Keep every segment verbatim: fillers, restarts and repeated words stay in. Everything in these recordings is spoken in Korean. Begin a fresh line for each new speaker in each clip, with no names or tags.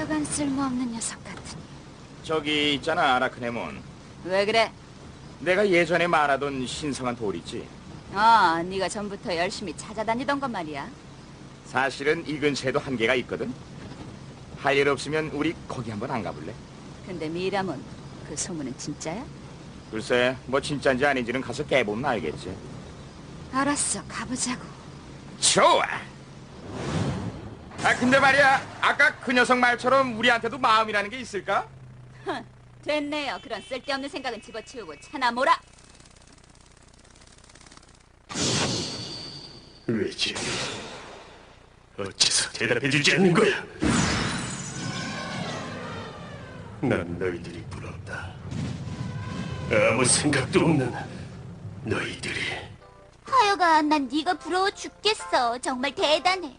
하여간 쓸모없는 녀석 같으니.
저기 있잖아, 아라크네몬.
왜 그래?
내가 예전에 말하던 신성한 돌 있지.
어, 네가 전부터 열심히 찾아다니던 것 말이야.
사실은 이 근처에도 한계가 있거든. 할 일 없으면 우리 거기 한번 안 가볼래?
근데 미라몬, 그 소문은 진짜야?
글쎄, 뭐 진짜인지 아닌지는 가서 깨보면 알겠지.
알았어, 가보자고.
좋아. 아 근데 말이야, 아까 그 녀석 말처럼 우리한테도 마음이라는 게 있을까?
흥, 됐네요. 그런 쓸데없는 생각은 집어치우고 차나 몰아.
왜 지금 어째서 대답해주지 않는 거야? 난 너희들이 부럽다. 아무 생각도 없는 너희들이.
하여간 난 네가 부러워 죽겠어. 정말 대단해.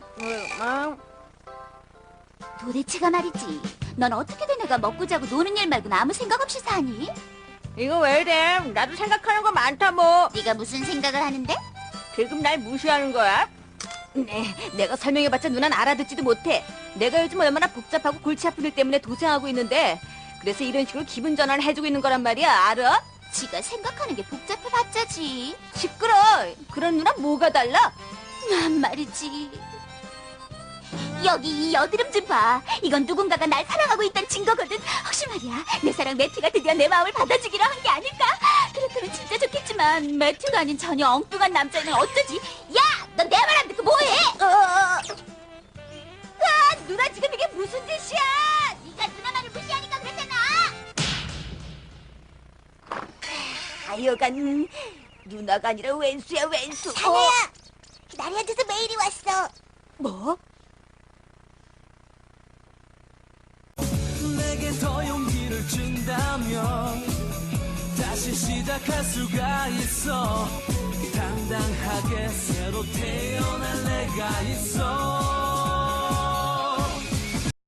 도대체가 말이지. 넌 어떻게든 내가 먹고 자고 노는 일 말고는 아무 생각 없이 사니?
이거 왜 이래? 나도 생각하는 거 많다 뭐.
네가 무슨 생각을 하는데?
지금 날 무시하는 거야?
네, 내가 설명해봤자 누난 알아듣지도 못해. 내가 요즘 얼마나 복잡하고 골치 아픈 일 때문에 도생하고 있는데, 그래서 이런 식으로 기분 전환을 해주고 있는 거란 말이야. 알아?
지가 생각하는 게 복잡해봤자지.
시끄러. 그런 누나 뭐가 달라?
난 말이지. 여기 이 여드름 좀 봐. 이건 누군가가 날 사랑하고 있다는 증거거든. 혹시 말이야, 내 사랑 매튜가 드디어 내 마음을 받아주기로 한 게 아닐까? 그렇다면 진짜 좋겠지만 매튜가 아닌 전혀 엉뚱한 남자는 어쩌지? 야! 넌 내 말 안 듣고 뭐해? 어, 어. 아, 누나 지금 이게 무슨 짓이야? 네가 누나 말을 무시하니까 그렇잖아.
하여간 누나가 아니라 왼수야 왼수.
자네야, 기다려야 돼서 메일이 왔어.
뭐?
내게 더 용기를 준다면 다시 시작할 수가 있어. 당당하게 새로 태어날 내가 있어.